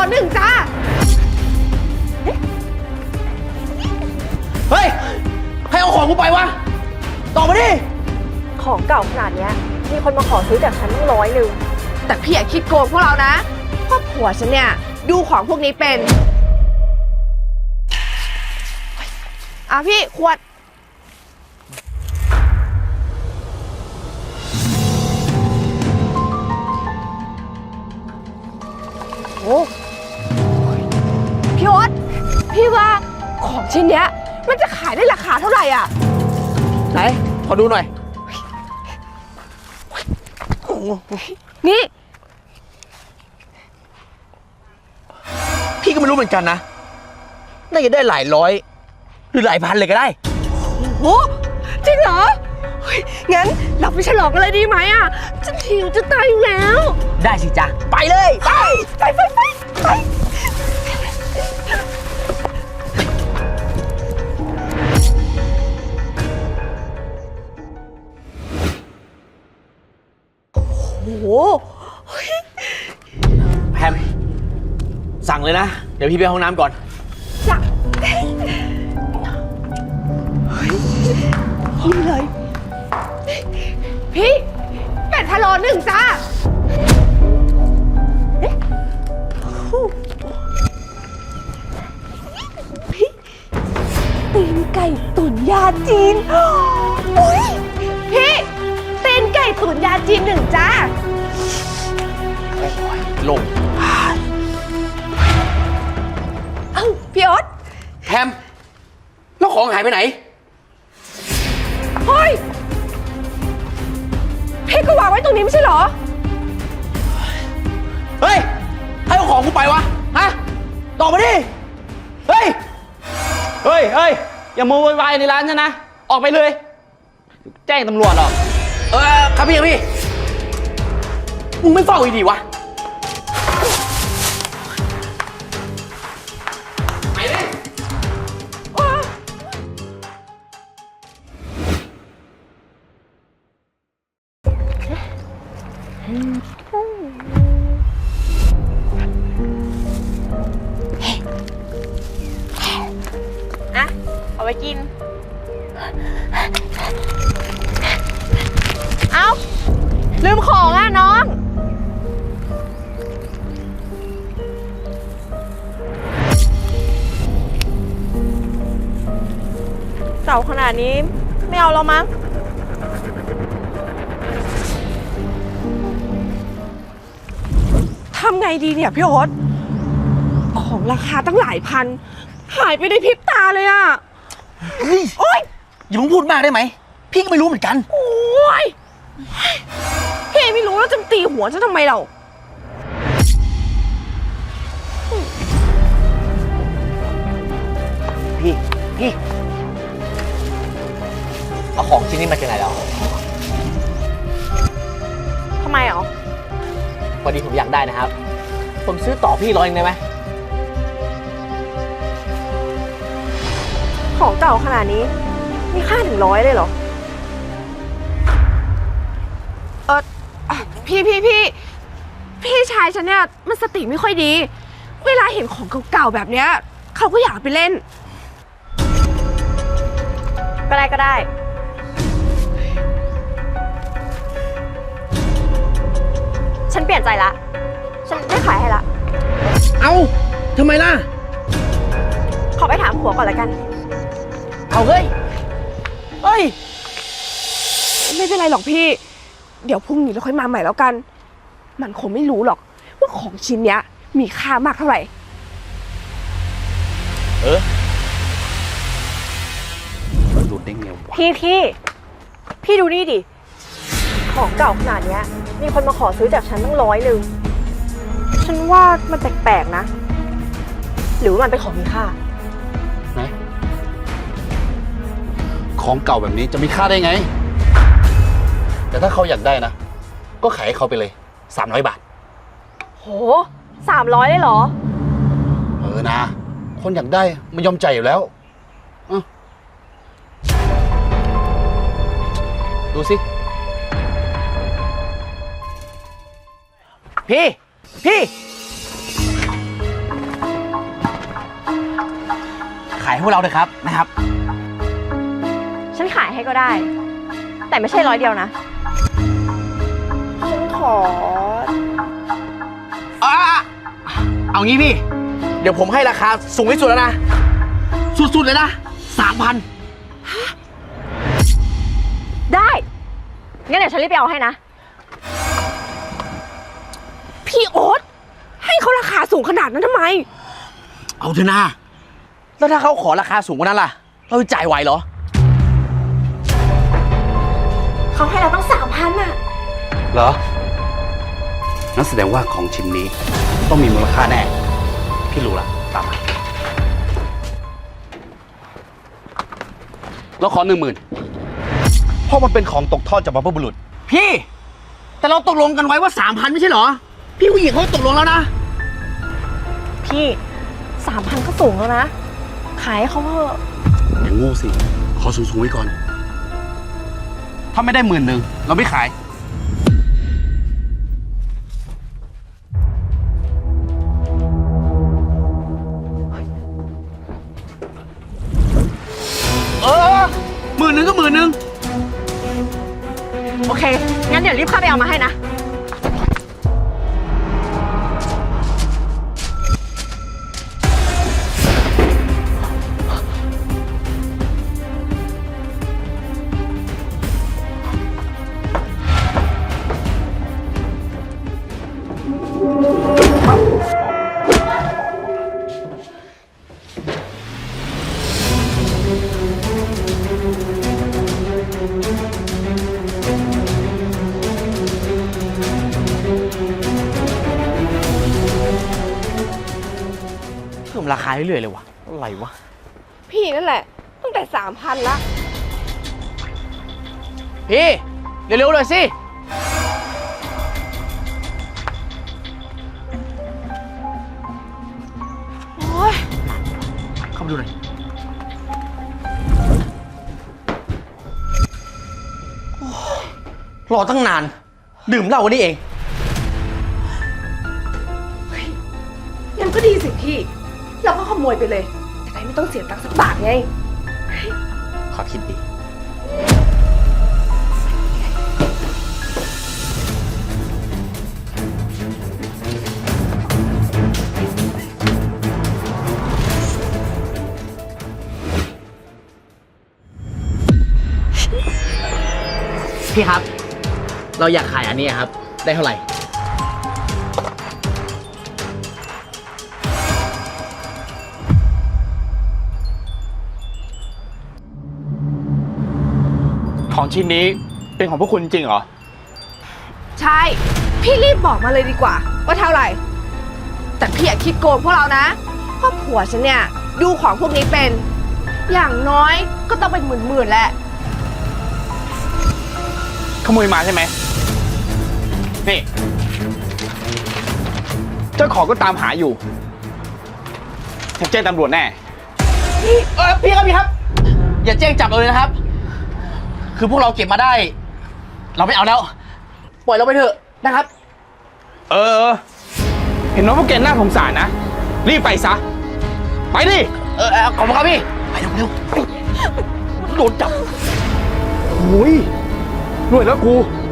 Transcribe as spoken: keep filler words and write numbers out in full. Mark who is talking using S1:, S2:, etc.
S1: หนึ่งจ้า
S2: เฮ้ยใครเอาของกูไปวะตอบมาดิ
S3: ของเก่าขนาดนี้มีคนมาขอซื้อจากฉันตั้งร้อยหนึ่ง
S1: แต่พี่อย่าคิดโกงพวกเรานะเพราะผัวฉันเนี่ยดูของพวกนี้เป็นอ่ะพี่ขวดโอ้พี่โอ๊ตพี่ว่าของชิ้นเนี้ยมันจะขายได้ราคาเท่าไหร่อ่ะ
S2: ไหนขอดูหน่อย
S1: นี่
S2: พี่ก็ไม่รู้เหมือนกันนะน่าจะได้หลายร้อยหรือหลายพันเลยก็ได้
S1: โอ้จริงเหรองั้นเราไปฉลองกันเลยดีไหมอ่ะฉันหิวจะตายอยู่แล้ว
S2: ได้สิจ๊ะไปเลยไป
S1: ไปไปไปไปโอ้โห
S2: แพมสั่งเลยนะเดี๋ยวพี่ไปห้องน้ำก่อน
S1: จ้ะนี่เลยพี่เป็ดพะโล้หนึ่งจ้าพี่ตีนไก่ตุ๋นยาจีนอุ้ยพี่ตีนไก่ตุ๋นยาจีนหนึ่งจ้า
S2: โอ้ยลง
S1: เอ้าพี่โอ๊ต
S2: แพมแล้วของหายไปไหน
S1: เฮ้ยพี่ก็วางไว้ตรงนี้ไม่ใช่เหรอ
S2: เฮ้ยใครเอาของกูไปวะฮะตอบมาดิเฮ้ย
S4: เฮ้ยเฮ้ยอย่าโมโวยวายในร้านฉันนะออกไปเลยแจ้งตำรวจหรอก
S2: เออครับพี่พี่มึงไม่เฝ้าอีดีวะไปเลย
S1: อะเอาไว้กินเอาลืมของอ่ะน้องเก่าขนาดนี้ไม่เอาแล้วมั้งทำไงดีเนี่ยพี่โอ๊ตของราคาตั้งหลายพันหายไปในพริบตาเลยอ่ะ
S2: เฮ้ยโอ๊ยอย่ามึงพูดมากได้ไหมพี่ก็ไม่รู้เหมือนกัน
S1: โอ๊ยพี่ไม่รู้แล้วจะตีหัวฉันทำไมเรา
S2: พี่พี่เอาของชิ้นนี้มาจากไหนแล้ว
S1: ทำไมอ๋อ
S2: พอดีผมอยากได้นะครับผมซื้อต่อพี่ร้อยนึงได้ไหม
S3: ของเก่าขนาดนี้มีค่าถึงร้อยเลยเหรอ
S1: เออพี่พี่พี่พี่ชายฉันเนี่ยมันสติไม่ค่อยดีเวลาเห็นของเก่าๆแบบเนี้ยเขาก็อยากไปเล่น
S3: ก็ได้ก็ได้ฉันเปลี่ยนใจละฉันไม่ขายให้ละ
S2: เอ้าทำไมล่ะ
S3: ขอไปถามผัวก่อนละกัน
S2: เอาเฮ้ยเฮ้ย
S1: ไม่เป็นไรหรอกพี่เดี๋ยวพรุ่งนี้เราค่อยมาใหม่แล้วกันมันคงไม่รู้หรอกว่าของชิ้นเนี้ยมีค่ามากเท่าไหร่
S2: เออหลุดได้ไงวะ
S3: พี่พี่พี่ดูนี่ดิของเก่าขนาดนี้มีคนมาขอซื้อจากฉันตั้งร้อยหนึ่งฉันว่ามันแปลกๆนะหรือว่ามันเป็นของมีค่า
S5: ไหนของเก่าแบบนี้จะมีค่าได้ไงแต่ถ้าเขาอยากได้นะก็ขายให้เขาไปเลยสามร้อยบาท
S3: โหสามร้อยเลยเหรอ
S5: เออนะคนอยากได้มันยอมใจอยู่แล้วดูสิ
S2: พี่พี่ขายให้พวกเราเลยครับนะครับ
S3: ฉันขายให้ก็ได้ แต่ไม่ใช่ร้อยเดียวนะ ฉันขอ
S2: อ่ะเอางี้พี่ เดี๋ยวผมให้ราคาสูงที่สุดแล้วนะ สุดๆเลยนะสามพัน
S3: ได้ งั้นเดี๋ยวฉันรีบไปเอาให้นะ
S1: พี่โอ๊ตให้เขาราคาสูงขนาดนั้นทำไม
S2: เอาเถอะนะแล้วถ้าเขาขอราคาสูงกว่านั้นล่ะ เราจะจ่ายไหวเหรอ
S3: เขาให้เราต้องสามพันอะ
S5: เหรอ นั่นแสดงว่าของชิ้นนี้ต้องมีมูลค่าแน่ พี่รู้ละตามมาเราขอหนึ่งหมื่นเพราะมันเป็นของตกทอดจากบรรพบุรุษ
S2: พี่ แต่เราตกลงกันไว้ว่าสามพันไม่ใช่เหรอ พี่ผู้หญิงเขาตกลงแล้วนะ
S3: พี่สามพันก็สูงแล้วนะ ขายให้เขาเถอะ
S5: อย่างโง่สิ ขอสูงๆไว้ก่อน ถ้าไม่ได้หมื่นหนึ่งเราไม่ขาย
S2: เออหมื่นหนึ่งก็หมื่นหนึ่ง
S3: โอเค งั้นเดี๋ยวรีบเข้าไปเอามาให้นะ
S2: เพิ่มราคาเรื่อยๆเลยวะอะไรวะ
S1: พี่นั่นแหละ ตั้งแต่สามพันละ
S2: พี่ เร็วๆเลยสิ
S1: โอ้ย
S2: เข้ามาดูหน่อยโอ้ยรอตั้งนาน ดื่มเหล้าวันนี้เอง
S1: งั้นก็ดีสิพี่ เราก็ขโมยไปเลย จะได้ไม่ต้องเสียตังค์สักบาทไง
S2: ขอคิดดี พี่ครับ เราอยากขายอันนี้ครับ ได้เท่าไหร่
S4: ของชิ้นนี้เป็นของพวกคุณจริงเหรอ
S1: ใช่ พี่รีบบอกมาเลยดีกว่า ว่าเท่าไหร่ แต่พี่อย่าคิดโกงพวกเรานะ เพราะผัวฉันเนี่ย ดูของพวกนี้เป็น อย่างน้อยก็ต้องเป็นหมื่นๆแหละ
S4: ขโมยมาใช่ไหม นี่ เจ้าของก็ตามหาอยู่ฉันแจ้งตำรวจแน่
S2: เออพี่ครับพี่ครับ อย่าแจ้งจับเราเลยนะครับ คือพวกเราเก็บมาได้ เราไม่เอาแล้ว ปล่อยเราไปเถอะนะครับ
S4: เออ เห็นว่าพวกแกน่าสงสารนะ รีบไปซะ ไปดิ
S2: เออเออขอบคุณครับพี่ ไปเร็วเร็วโดนจับ
S4: โอ้ยรวยแล้วกู